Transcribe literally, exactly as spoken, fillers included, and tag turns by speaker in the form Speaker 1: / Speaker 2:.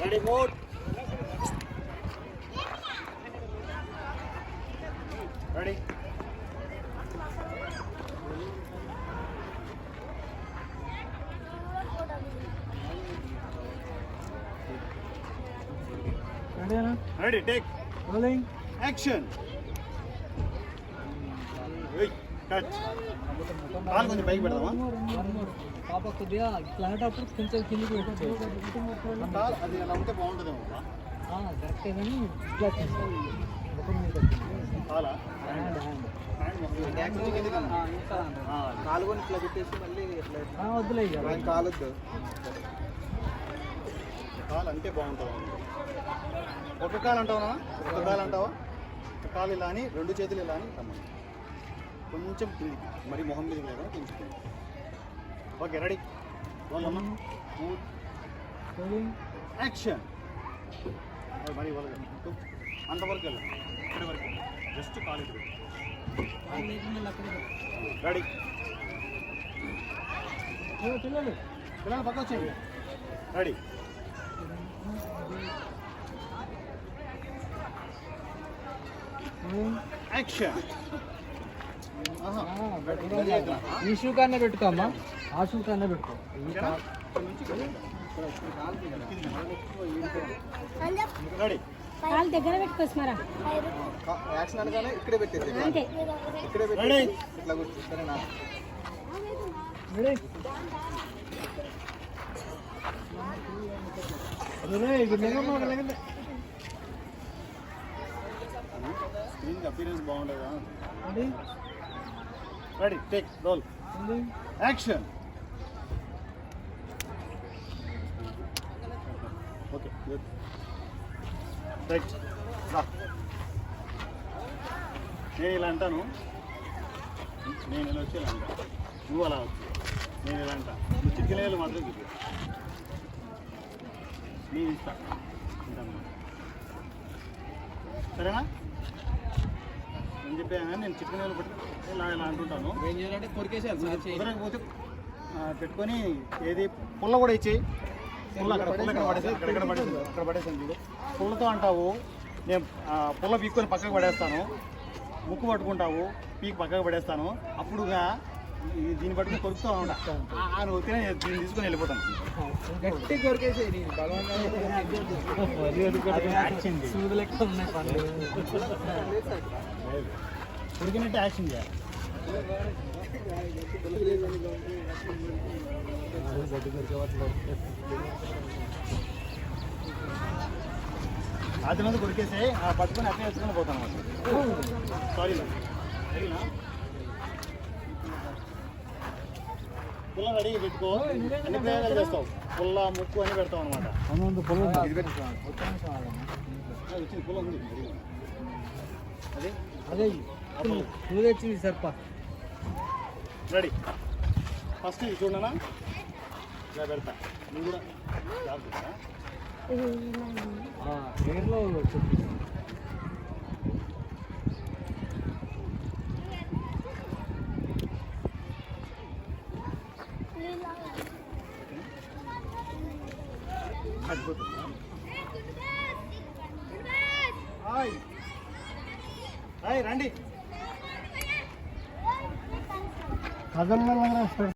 Speaker 1: Ready, mode. Ready.
Speaker 2: Ready,
Speaker 1: Ready, take.
Speaker 2: rolling.
Speaker 1: Action. Hey, cut. కాలు కొంచెం పైకి పెడదామా?
Speaker 2: పాప కొద్దిగా ఇట్లాంటప్పుడు కొంచెం కిందికి పెట్టచ్చు.
Speaker 1: కాలు అది అలా ఉంటే బాగుంటుందేమో.
Speaker 2: కరెక్టే కానీ ఇట్లా చేస్తాను
Speaker 1: కాలా?
Speaker 2: హ్యాండ్ హ్యాండ్
Speaker 3: కాలు కొని ఇట్లా పెట్టేసి మళ్ళీ ఇట్లా
Speaker 2: వద్దులే ఇక
Speaker 3: కాలొద్దు.
Speaker 1: కాలు అంటే బాగుంటుంది. ఒక కాలు అంటావా? ఒక కాలు అంటావా? ఒక కాలు ఇలా అని రెండు చేతులు ఇలా అని రమ్మని కొంచెం కిందికి, మరి మొహం మీద లేదా కొంచెం కింది. Okay, ready. వాళ్ళమ్మా యాక్షన్. మరి వాళ్ళ అంతవరకు వెళ్ళాం, ఇక్కడి వరకు జస్ట్ కాలు ఇది. రెడీ.
Speaker 2: పిల్లలు
Speaker 1: పిల్లలు పక్క వచ్చేయండి. రెడీ. యాక్షన్.
Speaker 2: ఈ షూ కన్నా పెట్టుకోమ్మా, ఆ షూ కన్నా పెట్టుకో.
Speaker 1: రెడీ.
Speaker 4: కాలు దగ్గర పెట్టుకోస్మారా.
Speaker 3: యాక్షన్ అనగానే ఇక్కడే పెట్టేసి
Speaker 4: అంతే.
Speaker 3: ఇక్కడే
Speaker 1: రెడీ.
Speaker 3: పెట్టి ఇట్లా కూర్చో. సరేనా?
Speaker 1: స్క్రీన్ అపీరెన్స్ బాగుండేదా? Ready, take, roll, action. Okay, good. Right. నేను ఇలా అంటాను, నేను ఇలా వచ్చి ఇలా అంటా, నువ్వు అలా వచ్చు. నేను ఇలా అంటా, నువ్వు చిటికలేలు మాత్రం చూపి. నేను ఇస్తా ఉంటాను, సరేనా? నేను చెప్పాను కానీ నేను చిటికలేలు పెట్టి ఇలా ఇలా అంటుంటాను.
Speaker 3: ఏం చేయాలంటే కొరికేసేయాలి సార్.
Speaker 1: కుదరకపోతే పెట్టుకొని ఏది పుల్ల కూడా ఇచ్చేయి. పుల్ల అక్కడ పుల్ల ఇక్కడ పడేసి ఇక్కడ ఇక్కడ పడేసి ఇక్కడ పడేసాను చూడు. పుల్లతో అంటావు, నేను పుల్ల పీక్కొని పక్కకు పడేస్తాను. ముక్కు పట్టుకుంటావు, పీక్ పక్కకు పడేస్తాను. అప్పుడుగా దీన్ని పట్టుకుని కొరుకుతూ ఉంటా. నువ్వు తినే దీన్ని తీసుకొని వెళ్ళిపోతాను.
Speaker 3: గట్టి కొరికేసేయి.
Speaker 1: ఉడికినట్టు యాక్షన్ చేయాలి. అది మంది కొరికేసి పట్టుకొని అట్లే వేసుకొని పోతాను అన్నమాట. సారీ సరేనా? పుల్ల రెడీ పెట్టుకో, అన్ని ప్రయోగాలు చేస్తావు. పుల్ల ముక్కు అని పెడతావు అనమాట. వచ్చింది పుల్ల ఉంది అదే
Speaker 2: అదే నువ్వు తెచ్చింది సర్ప.
Speaker 1: రెడీ. ఫస్ట్ ఇది చూడనా, ఇలా పెడతా. నువ్వు కూడా జాగ్రత్త.
Speaker 2: పేర్లో
Speaker 1: హాయ్ హాయ్ రండి.
Speaker 2: కథల్లో